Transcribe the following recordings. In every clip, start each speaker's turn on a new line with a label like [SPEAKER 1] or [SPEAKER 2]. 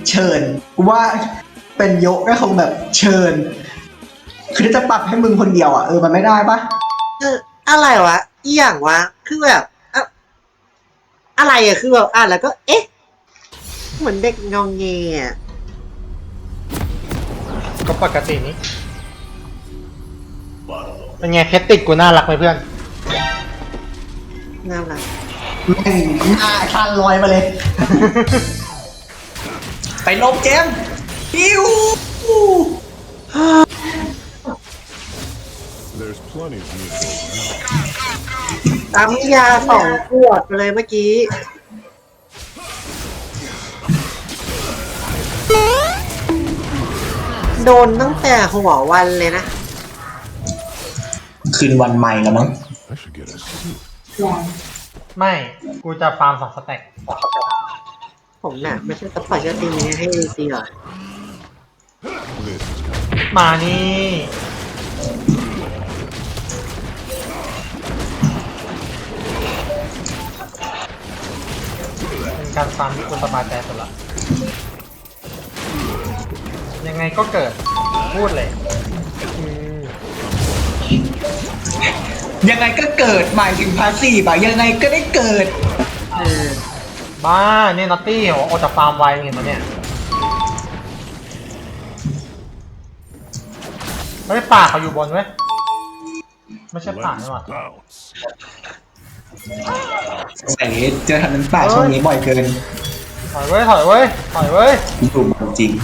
[SPEAKER 1] เชิญกูว่าเป็นโยกก็คงแบบเชิญคือถ้าจะปรับให้มึงคนเดียวอ่ะมันไม่ได้ปะ
[SPEAKER 2] เอออะไรวะอีอย่างวะคือแบบอะไรอะคือแบบแล้วก็เอ๊ะเหมือนเด็กงองเงอะ
[SPEAKER 3] ก็ปกตินี้เป็นไงเพชรติดกูน่ารักไหมเพื่อน
[SPEAKER 2] น่ารัก
[SPEAKER 1] แม่งหน้าชันลอยมาเลย ไปลบเจมส์ปิ้ว
[SPEAKER 4] There's plenty of miracles now.
[SPEAKER 2] ตามยา2 ขวดไปเลยเมื่อกี้โดนตั้งแต่หัววันเลยนะ
[SPEAKER 1] คืนวันใหม่แล้วมั้ง
[SPEAKER 4] I should get a suit.
[SPEAKER 3] ไม่กูจะฟาร์ม2 สแต็ก
[SPEAKER 2] ผมน่ะไม่ใช่ซัพพอร์ตจะตีนี้ให้ดีซีหรอ
[SPEAKER 4] This is kind
[SPEAKER 3] มานี่เป็นการฟาร์มที่กูสบายใจสุดละยังไงก็เกิดพูดเลย
[SPEAKER 1] ยังไงก็เกิดหมายถึงพาสซีฟอะยังไงก็ได้เกิด
[SPEAKER 3] บ้าเนี่ยนอตตี้โอจะฟาร์มไวเห็นไหมเนี่ยเฮ้ยป่าเขาอยู่บนเว้ยไม่ใช่ป่า
[SPEAKER 4] Let's
[SPEAKER 3] นี่หว่า
[SPEAKER 4] bounce.
[SPEAKER 1] ใส่เจอทางนั้นป่าช่วงนี้บ่อยเกิน
[SPEAKER 3] ถอยเว้ยถอยเว้ยถอยเว้ย
[SPEAKER 1] ถูกจริง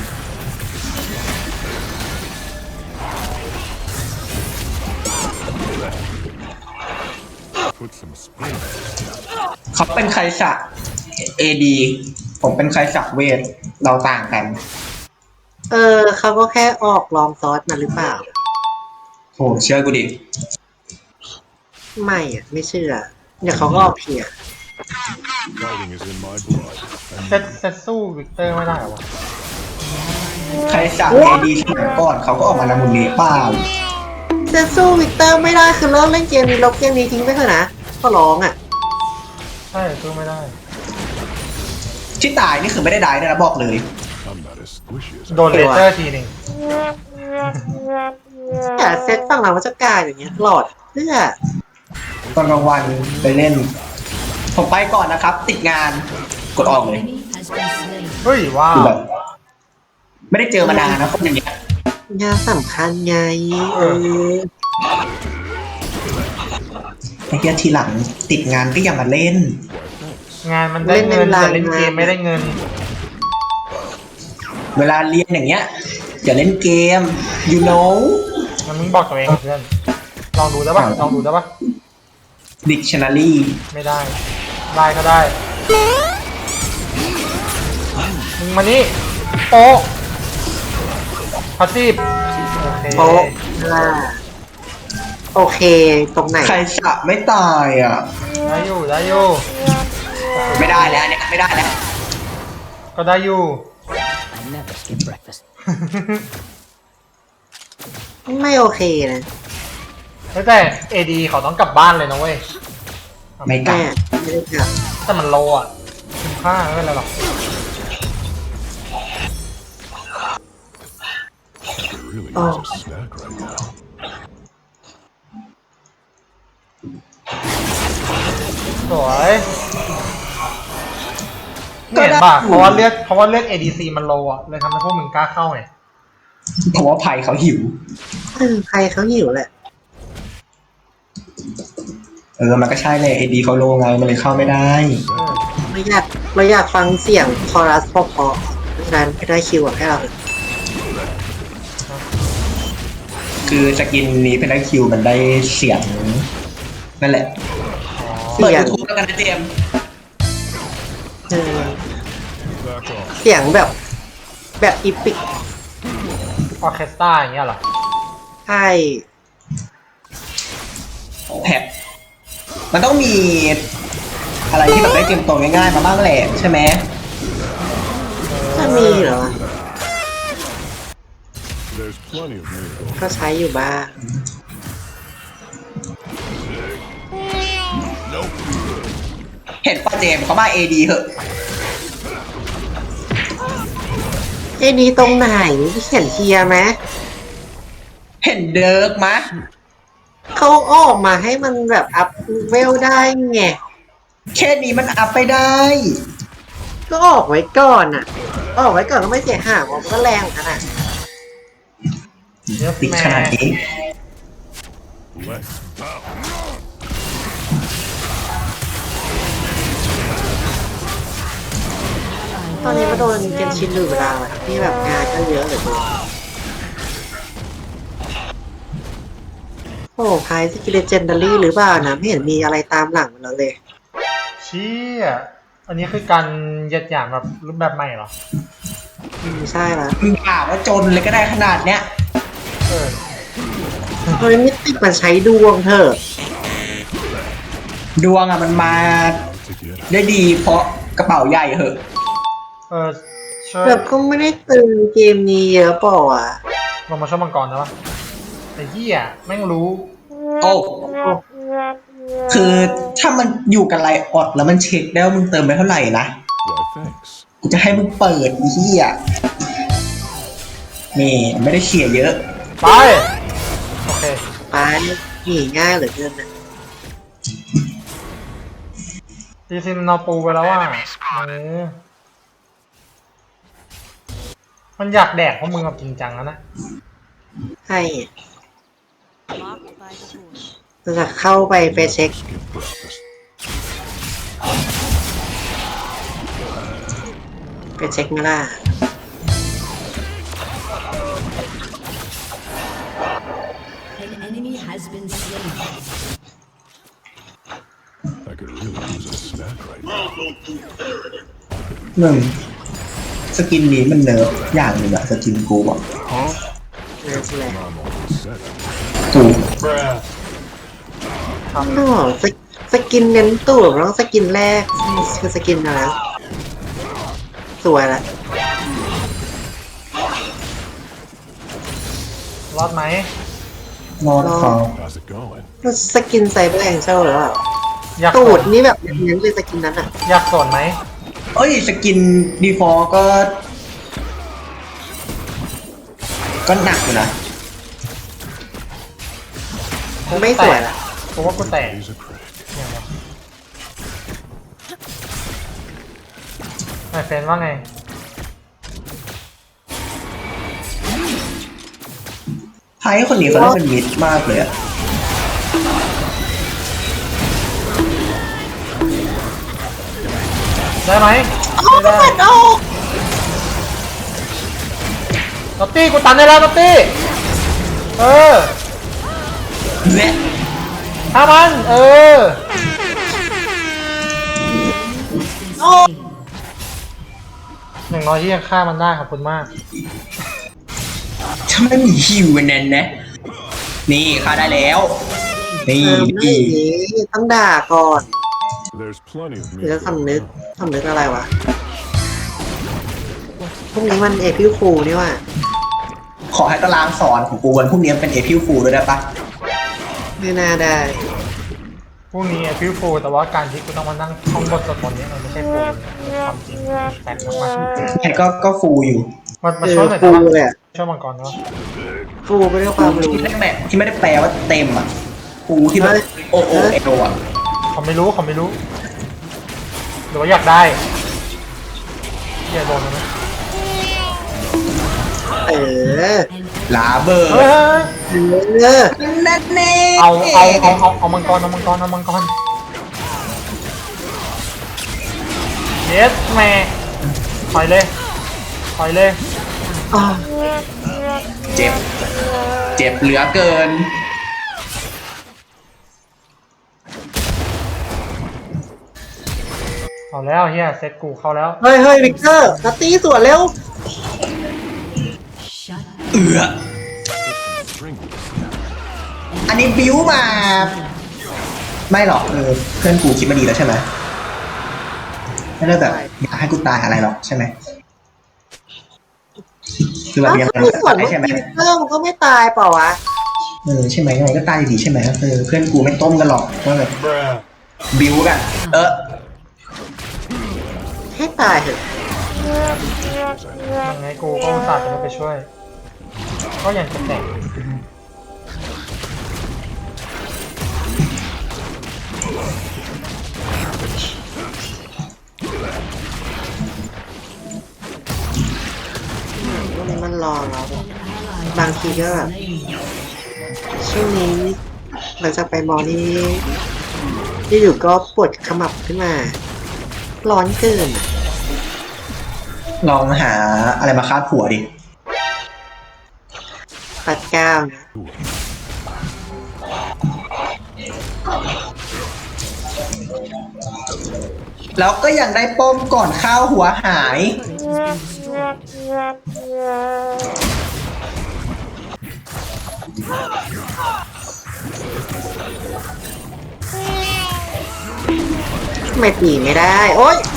[SPEAKER 4] Put some spin.
[SPEAKER 1] เขาเป็นใครสักเอดีผมเป็นใครสักเวทเราต่างกัน
[SPEAKER 2] เขาก็แค่ออกลองซอสมาหรือเปล่า
[SPEAKER 1] โหเชื่อกูดิ
[SPEAKER 2] ไม่อะไม่เชื่อ เดี๋ยวเขาก็ออกเพีย
[SPEAKER 4] Fighting is in my blood.
[SPEAKER 3] เซตสู้วิกเตอร์ไม่ได้เหรอวะ
[SPEAKER 1] ใครสักเอดีสมัยก่อนเขาก็ออกมาละมุนเนเป้า
[SPEAKER 2] เซนสู้วิกเตอร์ไม่ได้คือเลิกเล่นเกมนี้ลบเกมนี้ทิ้งไปเถอะนะก็ร้องอ่ะ
[SPEAKER 3] ใช่สู้ไม่ได้
[SPEAKER 1] ที่ตายนี่คือไม่ได้ได้นะบอกเลย
[SPEAKER 4] I'm not as squishy as
[SPEAKER 3] โดนเลเซอร์ทีหนึ่ง
[SPEAKER 2] แต่เซตฝั่งเราก็จะกลายอย่างเงี้ยหลอดเพื่อ
[SPEAKER 1] ตอนกลางวันไปเล่น ผมไปก่อนนะครับ ติดงานกดออกเลย
[SPEAKER 3] เฮ้ยว้าว
[SPEAKER 1] คือแบบไม่ได้เจอมานานนะคนอย่างเงี้ย
[SPEAKER 2] งานสำคัญไง
[SPEAKER 1] ไอ้เหี้ยทีหลังติดงานก็อย่ามาเล่น
[SPEAKER 3] งานมันได้เงินแต่เล่นเกมไม่ได้เงิน
[SPEAKER 1] เวลาเรียนอย่างเงี้ยอย่าเล่นเกม you know
[SPEAKER 3] มันมึงบอกตัวเองเพื่อนลองดูได้ปะลองดูได้ปะ
[SPEAKER 1] dictionary
[SPEAKER 3] ไม่ได้ได้ก็ได้มึงมานี่โป๊ะพาสซีฟโอเค
[SPEAKER 2] โป๊ะโอเคตรงไหน
[SPEAKER 1] ใครสักไม่ตายอ่ะ
[SPEAKER 3] ได้อยู่ได้อยู่
[SPEAKER 1] ไม่ได้แล้วเนี่ยไม่ได้แล้ว
[SPEAKER 3] ก็ได้อยู่
[SPEAKER 5] I never skip breakfast.
[SPEAKER 2] ไม่โอเคนะ
[SPEAKER 3] แต่เอดีเขาต้องกลับบ้านเลยนะเว้ย
[SPEAKER 1] ไม่กล้า
[SPEAKER 2] แม่ไม่ได้กลับ
[SPEAKER 3] แต่มันโลอ่ะคุ้มค่าไม่เป็นไรหรอก
[SPEAKER 4] I could really use a snack right now.
[SPEAKER 3] สวยเห็นป่ะเพราะว่าเลือด ADC มันโลอ่ะเลยทำให้พวกมึงกล้าเข้าไง
[SPEAKER 1] เพราะว่าไผ่เขาหิว
[SPEAKER 2] ใครเขาหิวแหละ
[SPEAKER 1] มันก็ใช่เลยเอดีเขาโลไงมันเลยเข้าไม่ได้
[SPEAKER 2] เราอยากฟังเสียงคอรัสเพราะเพราะฉะนั้นไม่ได้คิวอะให้เรา
[SPEAKER 1] คือสกินนี้เป็นได้คิวมันได้เสียงนั่นแหละเปิด YouTube แล้วกันนะเจมส์
[SPEAKER 4] Back off.
[SPEAKER 2] เสียงแบบอีพิก
[SPEAKER 3] ออร์เคสตราอย่างเงี้ยเหรอ
[SPEAKER 2] ใช่
[SPEAKER 1] แพ็คมันต้องมีอะไรที่แบบได้เตรียมตัวง่ายๆมาบ้างแหละใช่ไหม
[SPEAKER 2] จะมีเหรอ
[SPEAKER 4] There's plenty of miracles.
[SPEAKER 2] ก็ใช้อยู่บ้าง
[SPEAKER 1] เห็นป่ะเจมส์เขามาเอดีเหอะ
[SPEAKER 2] ไอ้นี้ตรงไหนเขียนเทียร์ไหม
[SPEAKER 1] เห็นเดิร์กมะ
[SPEAKER 2] เขาออกมาให้มันแบบอัพเวลได้ไง
[SPEAKER 1] แค่นี้มันอัพไปได้
[SPEAKER 2] ก็ออกไว้ก่อนอ่ะ ออกไว้ก่อนก็ไม่เสียหายมันก็แรงเหมือนกันอ่ะ
[SPEAKER 3] เยอะ
[SPEAKER 1] ติด
[SPEAKER 3] แม่
[SPEAKER 1] ขนาดนี้
[SPEAKER 4] Let's bow.
[SPEAKER 2] ตอนนี้มาโดนเกนชินหรือเวลาอะที่แบบงานก็เยอะเหลือเกินโอ้พายสกิลเลเจนดารี่หรือเปล่านะไม่เห็นมีอะไรตามหลังมันแล้วเลย
[SPEAKER 3] เชี่ยอันนี้คือการเหยียดหยามแบบรูปแบบใหม่เหรอ
[SPEAKER 2] ใช่ละ
[SPEAKER 1] มึงอ่านว่าจนเลยก็ได้ขนาดเนี้ย
[SPEAKER 3] เออ
[SPEAKER 2] เฮ้ยมิติมันใช้ดวงเถอะ
[SPEAKER 1] ดวงอ่ะมันมา
[SPEAKER 4] To get
[SPEAKER 1] ได้ดีเพราะกระเป๋าใหญ่เหอะ
[SPEAKER 3] เออช่วย
[SPEAKER 2] แบบก็ไม่ได้ตึงเกมนี้เยอะเปล่าอ่ะ
[SPEAKER 3] ลงมาช่วยมังกรนะวะไอ้เหี้ยแม่งรู้
[SPEAKER 1] โอ้ คือถ้ามันอยู่กับไลออดแล้วมันเช็คได้ว่ามึงเติมไปเท่าไหร่นะ
[SPEAKER 4] why thanks.
[SPEAKER 1] กูจะให้มึงเปิดอีเหี้ยนี่ไม่ได้เขี่ยเยอะ
[SPEAKER 3] ไป โอเค
[SPEAKER 2] ไปหนีง่ายเหลือเกินนะ
[SPEAKER 3] ดีซิมนเอาปูไปแล้วอ่ะมันอยากแดกเพราะมึงเอาจริงจังแล้วนะ
[SPEAKER 2] ให้
[SPEAKER 5] Blocked by the force.
[SPEAKER 2] จะเข้าไปเช็ค
[SPEAKER 4] Skip breakfast.
[SPEAKER 2] ไปเช็คไหมล่ะ
[SPEAKER 5] An enemy has been slain.
[SPEAKER 4] I could really use a snack right now.
[SPEAKER 1] หนึ่งสกินนี้มันเนิร์ฟอย่างหนึ่งอะสกินกูอะ
[SPEAKER 2] นั่นแหละ
[SPEAKER 4] I'm all set.
[SPEAKER 1] กู
[SPEAKER 2] อ๋อสกินเน้นตูดแล้วสกินแรกคือสกินอะไรสวยละ
[SPEAKER 3] รอดไหม
[SPEAKER 1] นอนคอ
[SPEAKER 4] How's it going?
[SPEAKER 2] สกินไซเบอร์แองเจิลหรือเปล่า
[SPEAKER 3] อยาก
[SPEAKER 2] ตู
[SPEAKER 3] ส
[SPEAKER 2] ด
[SPEAKER 3] น
[SPEAKER 2] นี่แบบเน้นเลยสกินนั้นอ่ะ
[SPEAKER 3] อยากสนไหม
[SPEAKER 1] เอ้ยสกินดีฟอลก็หนักอยู่นะ
[SPEAKER 2] ไม่สวยละ
[SPEAKER 3] เพราะว่ากูแตก
[SPEAKER 4] He's a critic.
[SPEAKER 3] ไอเฟนว่าไง
[SPEAKER 1] ไพ่คนนี้เขาได้เป็นมิดมากเลยอะ
[SPEAKER 3] ได้ไหมไม่ได้นอตตี้กูตันได้แล้วนอตตี้ เออ
[SPEAKER 1] เนี่ย
[SPEAKER 3] ฆ่ามัน เออ อย่างน้อยที่ยังฆ่ามันได้ขอบคุณมาก
[SPEAKER 1] ถ้าไม่มีฮิวกันแน่นนะ นี่ค่าได้แล้ว นี่
[SPEAKER 2] ไม่ดีต้องด่าก่อน
[SPEAKER 4] There's plenty of
[SPEAKER 2] หรือ
[SPEAKER 4] meat
[SPEAKER 2] จะ
[SPEAKER 4] to
[SPEAKER 2] สำนึก
[SPEAKER 4] go
[SPEAKER 2] สำนึกอะไรวะพรุ่งนี้มันเอพิวฟูนี่ว่ะ
[SPEAKER 1] ขอให้ตารางสอนของกูวันพรุ่งนี้เป็นเอพิวฟูด้วยได้ปะ
[SPEAKER 2] ไม่น่าได้
[SPEAKER 3] พรุ่งนี้ฟิวฟูแต่ว่าการที่กูต้องมานั่งท่องบทสวดมนต์เนี่ยมันไม่ใช่ฟูความจริงแปลกมาก
[SPEAKER 1] แค่ก็ฟูอยู่
[SPEAKER 3] ๆมาช่วยหน่อย
[SPEAKER 2] ฟู
[SPEAKER 3] ได้
[SPEAKER 2] เลย
[SPEAKER 3] ปะ
[SPEAKER 2] อะ
[SPEAKER 3] ช่วยมังกรเนาะ
[SPEAKER 2] ฟูไปด้วยความรู้
[SPEAKER 1] ที่ไม่ได้แปลว่าเต็มอ่ะฟูที่แบบโอเอโอ่ะ
[SPEAKER 3] เขาไม่รู้หรือว่าอยากได้เฮียโดนแล้วนะ
[SPEAKER 2] เออ
[SPEAKER 1] ลาเบอร์
[SPEAKER 3] เฮ้ย
[SPEAKER 2] เออ
[SPEAKER 1] นั่นเน่
[SPEAKER 3] เอามังกรเยสแม่ถอยเลย
[SPEAKER 2] อ๋อ
[SPEAKER 1] เจ็บเหลือเกิน
[SPEAKER 3] เอาแล้วเฮียเซตกูเข้าแล้ว
[SPEAKER 2] เฮ้ยวิกเตอร์นัตตี้สวนเร็ว
[SPEAKER 5] Shut
[SPEAKER 4] String with
[SPEAKER 1] อันนี้บิวมา ไม่หรอกเพื่อนกูคิดมาดีแล้วใช่ไหมไม่ได้แบบอยากให้กูตายอะไรหรอกใช่ไหมคือแบบยังไง
[SPEAKER 2] คือสวน
[SPEAKER 1] ก็
[SPEAKER 2] เมื่อ
[SPEAKER 1] ใช่ไหม
[SPEAKER 2] กี้วิกเตอร์มันก็ไม่ตายเปล่าวะ
[SPEAKER 1] ใช่ไหมยังไงก็ตายอยู่ดีใช่ไหมเพื่อนกูไม่ต้มกันหรอกว่าแบบบิวกัน
[SPEAKER 2] ให้ตายเถอะ
[SPEAKER 3] ยังไงกูก็อุตส่าห์จะไม่ไปช่วย ก็ยังจะแตก
[SPEAKER 2] วันนี้มันรอเราแบบ
[SPEAKER 5] Ally
[SPEAKER 2] บางทีก็แบบ
[SPEAKER 5] slain.
[SPEAKER 2] ช่วงนี้หลังจากไปมอนี่อยู่ๆก็ปวดขมับขึ้นมา ร้อนเกิน
[SPEAKER 1] ลองหาอะไรมาคาดหัวดิ
[SPEAKER 2] ปัดก้าวนะ
[SPEAKER 1] แล้วก็ยังได้ป้อมก่อนข้าวหัวหาย
[SPEAKER 5] Turret has been destroyed.
[SPEAKER 2] ไม่ตีไม่ได้ โอ๊ย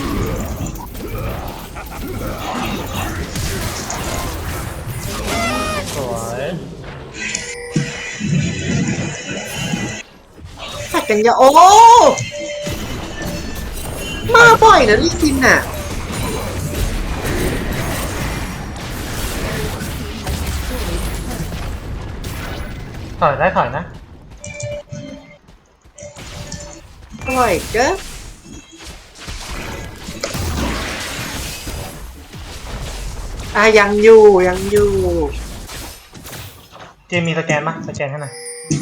[SPEAKER 3] สวย
[SPEAKER 2] ผัดกันยาโอ้ มาบ่อยนะลิซินอ่ะ
[SPEAKER 3] ถอยได้ถอยนะ
[SPEAKER 2] บ่อยเก็ยังอยู่ยังอยู่
[SPEAKER 3] เจมมีสแกนปะสแกนให้หน่อย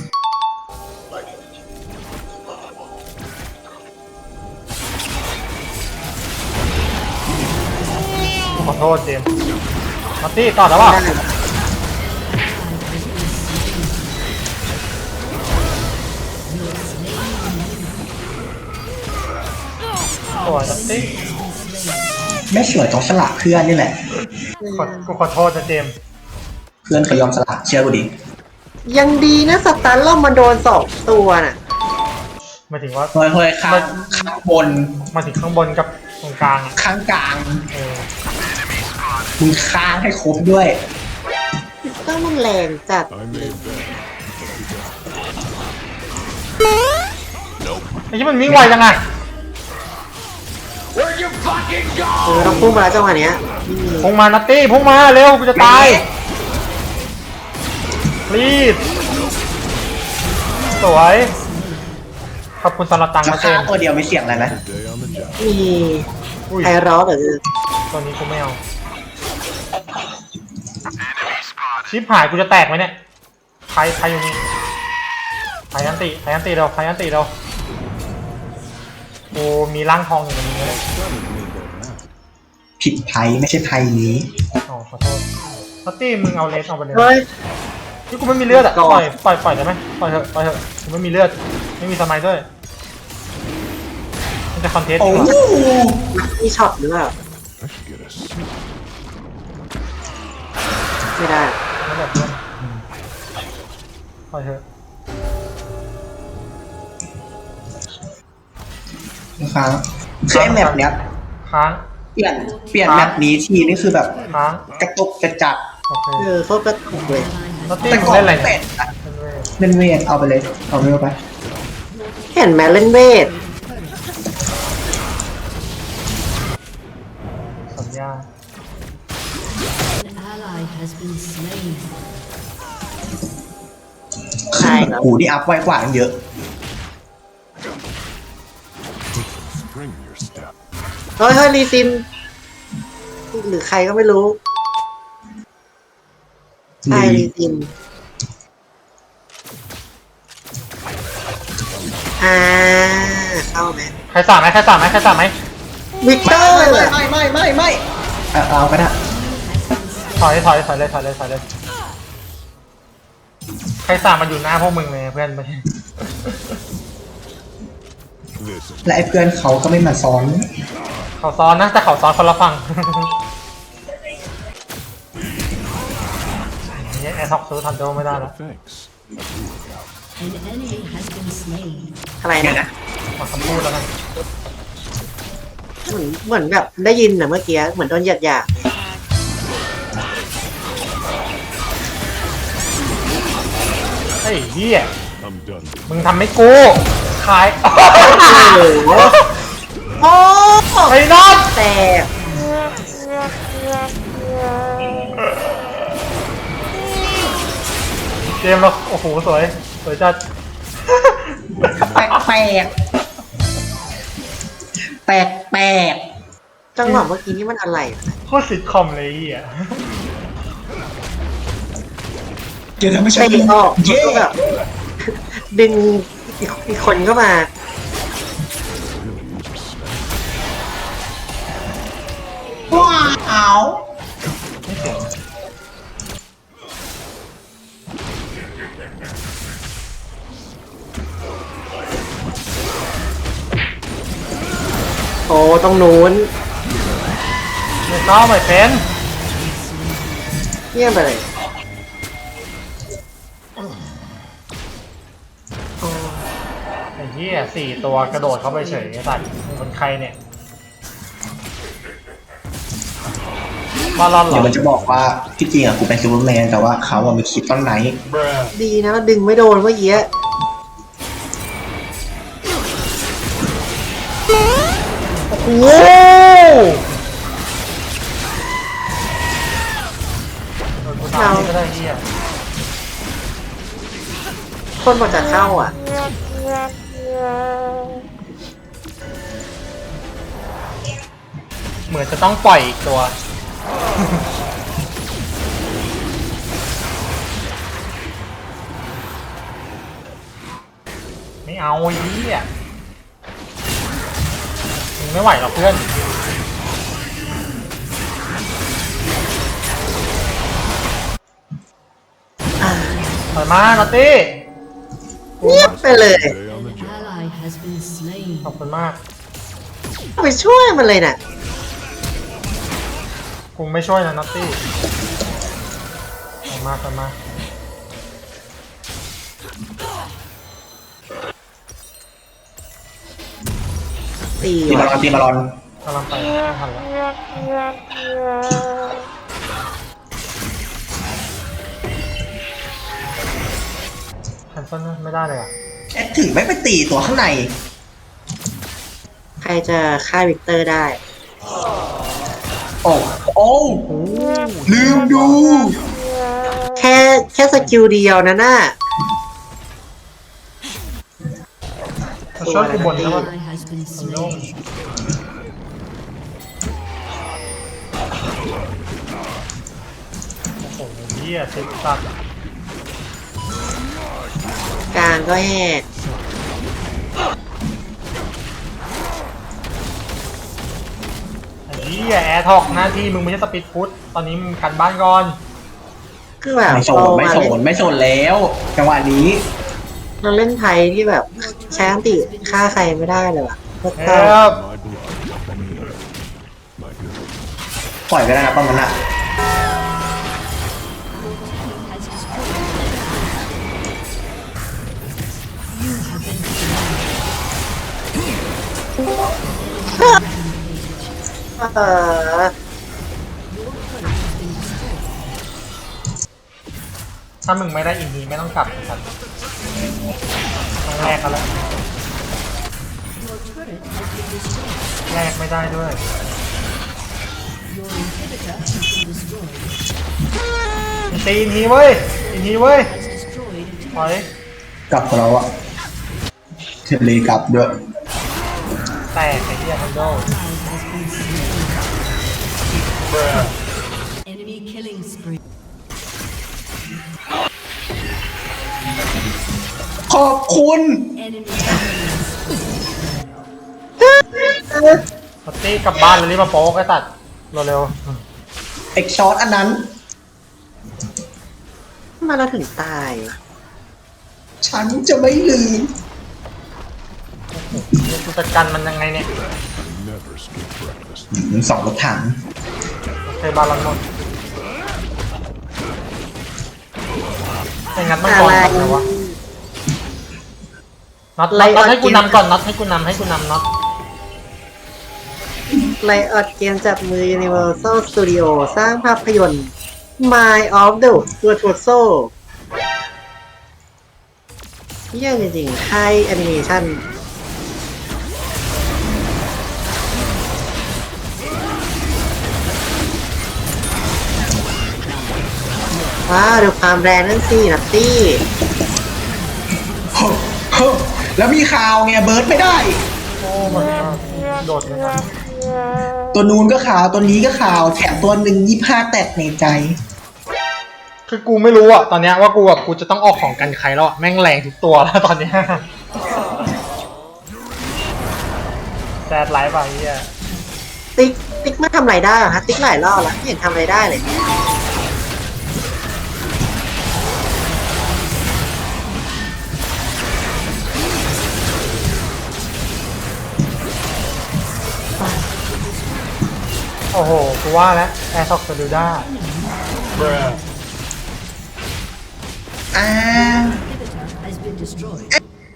[SPEAKER 3] ขอโทษเจมมาตี้ต่อแล้วเปล่า
[SPEAKER 2] ได้
[SPEAKER 3] สวยมาตี้
[SPEAKER 1] ไม่สวยต้องสละเพื่อนนี่แหละ
[SPEAKER 3] กูขอโทษนะเจม
[SPEAKER 1] เพื่อนเขายอมสละเชื่อกูดิ
[SPEAKER 2] ยังดีนะสตันเรามาโดนสองตัวน่ะ
[SPEAKER 3] หมายถึงว่า
[SPEAKER 1] เฮ้ยข้างบน
[SPEAKER 3] มาถึงข้างบนกับตรงกลางอะ
[SPEAKER 1] ข้างกลาง
[SPEAKER 3] เออ
[SPEAKER 1] มึงค้างให้ครบด้วย
[SPEAKER 2] ก็มันแรงจัด
[SPEAKER 4] I made that.
[SPEAKER 3] ไอ้ที่มันวิ่งไวจังไง
[SPEAKER 2] ต้องพุ่งมาแล้วจังหวะเนี้ย
[SPEAKER 3] พุ่งมานัตตี้พุ่งมาเร็วกูจะตายรีบสวยขอบคุณสำหรับตังค์
[SPEAKER 1] รา
[SPEAKER 3] นะเจ
[SPEAKER 1] คาม ตัวเดียวไม่เสี่ยงอะไรไหม
[SPEAKER 4] Day on the job.
[SPEAKER 2] มี
[SPEAKER 3] อุ้ย
[SPEAKER 2] ไอร้อหรือ
[SPEAKER 3] ตัวนี้กูไม่เอาชิปหายกูจะแตกไหมเนี่ยใครอยู่นี่ใครยันติเราใครยันติเรากูมีร่างทองอยู่ในนี้เลย
[SPEAKER 1] ผิดไพ่ไม่ใช่ไพ่นี้
[SPEAKER 3] อ๋อขอโทษนัตตี้มึงเอาเลสออกไปเลย
[SPEAKER 2] เฮ้ย
[SPEAKER 3] นี่กูไม่มีเลือดอ่ะ
[SPEAKER 2] ก่
[SPEAKER 3] ป
[SPEAKER 2] อน
[SPEAKER 3] ล่อยได้ไหมปล่อยเถอะกูไม่มีเลือดไม่มีสมัยด้วยมันจะคอนเทนต์
[SPEAKER 1] โอ้
[SPEAKER 3] ดีกว่า
[SPEAKER 1] โห
[SPEAKER 2] มีช็อตหรือเปล่า
[SPEAKER 4] I should get a suit.
[SPEAKER 2] ไม่ได้
[SPEAKER 3] ไม่แบบเพื่อนปล่อยเถอะ
[SPEAKER 1] ค้างคือไอ้แมปเนี้ย
[SPEAKER 3] ค้าง
[SPEAKER 1] เปลี่ยนแมปนี้ทีนี่คือแบบ
[SPEAKER 3] ค้าง
[SPEAKER 1] กระตุกกระจัด
[SPEAKER 3] โอเค
[SPEAKER 2] โคตรกระตุกเลย
[SPEAKER 3] นัตตี้
[SPEAKER 1] แต่
[SPEAKER 3] มึง
[SPEAKER 1] ก่อน
[SPEAKER 3] เล่นอะไร
[SPEAKER 1] เป็
[SPEAKER 3] เนี่ย
[SPEAKER 1] ดเล่นเวทเอาไปเลยเอาเร็วไป
[SPEAKER 2] เห็นไหมเล่นเวท
[SPEAKER 3] สัญญา
[SPEAKER 5] An ally has been slain.
[SPEAKER 2] ใช่แล้ว
[SPEAKER 1] หูนี่อัพไวกว่าตั้งเยอะ
[SPEAKER 4] Spring in your step.
[SPEAKER 2] เฮ้ยรีซิน หรือใครก็ไม่รู้ใช่รีซินเข้าไหม
[SPEAKER 3] ใครสามไหม
[SPEAKER 2] วิกเตอร์
[SPEAKER 1] ไม่เอาก็ได้
[SPEAKER 3] ถอยเลยใครสามมาอยู่หน้าพวกมึงเลยเพื่อนไม่ใช่
[SPEAKER 4] This is
[SPEAKER 1] และไอ้เพื่อนเขาก็ไม่มาซ้อน
[SPEAKER 3] เขาซ้อนนะแต่เขาซ้อนคนละฝั่งนี่แอร์ท็อกซื้อทันโดไม่ได้แล้ว
[SPEAKER 4] thanks.
[SPEAKER 5] An enemy has been slain.
[SPEAKER 2] อะไร
[SPEAKER 1] เดี๋ยว
[SPEAKER 2] นะ
[SPEAKER 1] นะ
[SPEAKER 3] มาคำพูดแล้วกัน
[SPEAKER 2] เหมือนแบบได้ยินนะเมื่อกี้เหมือนโดนหยาด
[SPEAKER 3] เฮ้ยเฮีย
[SPEAKER 4] I'm done.
[SPEAKER 3] มึงทำให้กูขาย
[SPEAKER 2] โอ้โหโอ้
[SPEAKER 3] ไอ้น็อต
[SPEAKER 2] แตก
[SPEAKER 3] เกมเราโอ้โหสวยสวยจัด
[SPEAKER 1] แปลกแปลกแปลกแปลก
[SPEAKER 2] จังหวะเมื่อกี้นี่มันอะไรอะ
[SPEAKER 3] โคตรซิทคอมเลยอ่ะ
[SPEAKER 1] เดี๋ยวทำไม่ใช่
[SPEAKER 2] เตะออก
[SPEAKER 1] เย้
[SPEAKER 2] แล้วก็แบบดึงอีกคนเข้ามา
[SPEAKER 1] ว้าว
[SPEAKER 3] ไม่ถึง
[SPEAKER 2] โอ้ต้องนู้น
[SPEAKER 3] ไม่เข้าไม่เป็น
[SPEAKER 2] เยี่ยมไปเลยโอ้
[SPEAKER 3] ไอ้เหี้ย4 ตัวกระโดดเข้าไปเฉยไอ้สัตว์มึงเป็นใครเนี่ยบาลอนเหร
[SPEAKER 1] เดี๋
[SPEAKER 3] อ
[SPEAKER 1] ยวมันจะบอกว่าที่จริงอ่ะกูเป็นซูเปอร์แมนแต่ว่าเขาอ่ะมีคลิปต้นไหน
[SPEAKER 2] ดีนะดึงไม่โดนเมื่อกี้โอ้โห
[SPEAKER 3] โดนกูตามก็ได้เหี้ย
[SPEAKER 2] คนบอกจะเข้าอ่ะ
[SPEAKER 3] เหมือนจะต้องปล่อยอีกตัว ไม่เอาไอ้เหี้ยมึงไม่ไหวหรอกเพื่อน
[SPEAKER 2] อ่า
[SPEAKER 3] ถอยมาลอตตี้
[SPEAKER 2] เงียบไปเลย
[SPEAKER 4] Stay on the
[SPEAKER 5] An
[SPEAKER 4] job.
[SPEAKER 5] ally has been slain.
[SPEAKER 3] ขอบคุณมาก
[SPEAKER 2] ไปช่วยมันเลยน่ะ
[SPEAKER 3] กูไม่ช่วยนะนอตตี้ถอยมาถอยมา
[SPEAKER 2] ตี
[SPEAKER 1] ตีบอล
[SPEAKER 2] ว่ะ
[SPEAKER 1] ตีบอล
[SPEAKER 3] กำลังไปไม่ทันแล้วแคนเซิลไม่ได้เลยอ่ะ
[SPEAKER 1] แอดถึงไม่ไปตีตัวข้างใน
[SPEAKER 2] ใครจะฆ่าวิกเตอร์ได้
[SPEAKER 1] โอ้โอ้ลืมดู
[SPEAKER 2] แค่สกิลเดียวนะน่ะ
[SPEAKER 3] มาช่วยกูบนนะว่า
[SPEAKER 5] Ally has been slain.
[SPEAKER 3] โอ้โหเหี้ยสิบสัตว์
[SPEAKER 2] กลางก็แหก
[SPEAKER 3] ไอ้เหี้ยแอร์ทอกหน้าที่มึงไม่ใช่สปีดฟุตตอนนี้มึงกันบ้านก่อน
[SPEAKER 2] คือแบบ
[SPEAKER 1] ไม่โซนไม่โซนไม่โซนแล้วจังหวะนี้
[SPEAKER 2] เราเล่นไทยที่แบบใช้อันติฆ่าใครไม่ได้เลยว่ะโคตร
[SPEAKER 3] เอ
[SPEAKER 2] เศร้า
[SPEAKER 3] อ
[SPEAKER 4] My blood, me. My good.
[SPEAKER 1] ปล่อยไปแล้วนะป้องมันอ่ะ
[SPEAKER 2] เออ
[SPEAKER 3] ถ้ามึงไม่ได้อินดีไม่ต้องกลับครับต้องแลกกันแล้วแลกไม่ได้ด้วย
[SPEAKER 5] Your inhibitor has been destroyed.
[SPEAKER 3] ตีอินทีเว้ยอินทีเว้ย
[SPEAKER 5] Has destroyed a
[SPEAKER 3] ถอย
[SPEAKER 1] กลับของเราอ่ะเทเลกลับด้วย
[SPEAKER 3] แตกไอ้เหี้ยทันโด
[SPEAKER 5] ally has been slain. Enemy killing spree.
[SPEAKER 1] ขอบคุณ
[SPEAKER 5] Enemy
[SPEAKER 3] ปตี้กลับบ้านเลยรีบมาโป๊กไอ้ตัดเร็ว
[SPEAKER 1] เอ็กช็อตอันนั้น
[SPEAKER 2] ทำไมาเราถึงตาย
[SPEAKER 1] ฉันจะไม่ลืม
[SPEAKER 3] ๆกูจัดการมันยังไงเนี่ย
[SPEAKER 4] Never skip breakfast.
[SPEAKER 1] สองรถถัง
[SPEAKER 3] เคยบาลอนหมดไม่งั้นมันก่อนทำไงวะน็อตให้กูนำก่อนน็อตให้กูนำน็อต
[SPEAKER 2] ไลออดเกมจับมือ Universal Studio สร้างภาพยนตร์ Mind of the Virtuoso เยี่ยมจริงๆค่ายแอนิเมชันว้าวดูความแรงนั่นสินัตตี้
[SPEAKER 1] โฮ้โฮ้แล้วมีข่าวไงเบิร์ดไม่ได้
[SPEAKER 3] โอ้มันโดดเหมือนกัน
[SPEAKER 1] ตัวนู้นก็ข่าวตัวนี้ก็ข่าวแถมตัวหนึ่ง25 แตกในใจ
[SPEAKER 3] คือกูไม่รู้อะตอนเนี้ยว่ากูจะต้องออกของกันใครแล้วอะแม่งแรงทุกตัวแล้วตอนเนี้ยแซดไลฟ์ไปเฮีย
[SPEAKER 2] ติ๊กไม่ทำอะไรได้เหรอฮะติ๊กหลายรอบแล้วไม่เห็นทำอะไรได้เลย
[SPEAKER 3] โอ้โหกูว่าแล้วแอร์ซ็อกเซลูด้า
[SPEAKER 1] อ่า
[SPEAKER 5] Inhibitor has been destroyed.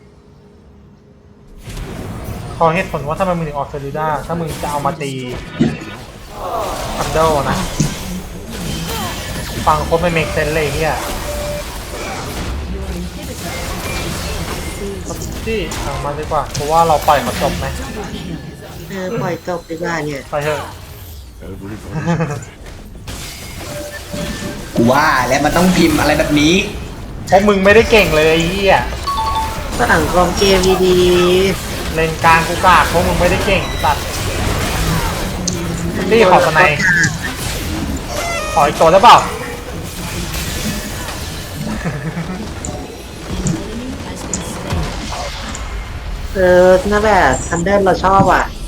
[SPEAKER 3] ขอเหตุผลว่าถ้ามึงถึงออกเซลูด้าถ้ามึงจะเอามาตีทันเดิลนะ ฟังโคตรไม่เมกเซนเลยเฮียที่เอามาดีกว่าเพราะว่าเราปล่อยเขาจบไหม
[SPEAKER 2] ปล่อยจบดีกว่าเนี่ย
[SPEAKER 3] ไปเถอะ
[SPEAKER 4] Everybody's
[SPEAKER 1] กูว่าแล้วมันต้องพิมพ์อะไรแบบนี้
[SPEAKER 3] เพราะมึงไม่ได้เก่งเลยไอ้เฮีย
[SPEAKER 2] สังคมเกมดี
[SPEAKER 3] เลนกลางกูกากเพราะมึงไม่ได้เก่งสัตว์
[SPEAKER 2] ๆ
[SPEAKER 3] นี่ขอสไนด์ ขออีกตัวได้เปล่า
[SPEAKER 2] น่าแบบทันเดิลเราชอบอ่ะ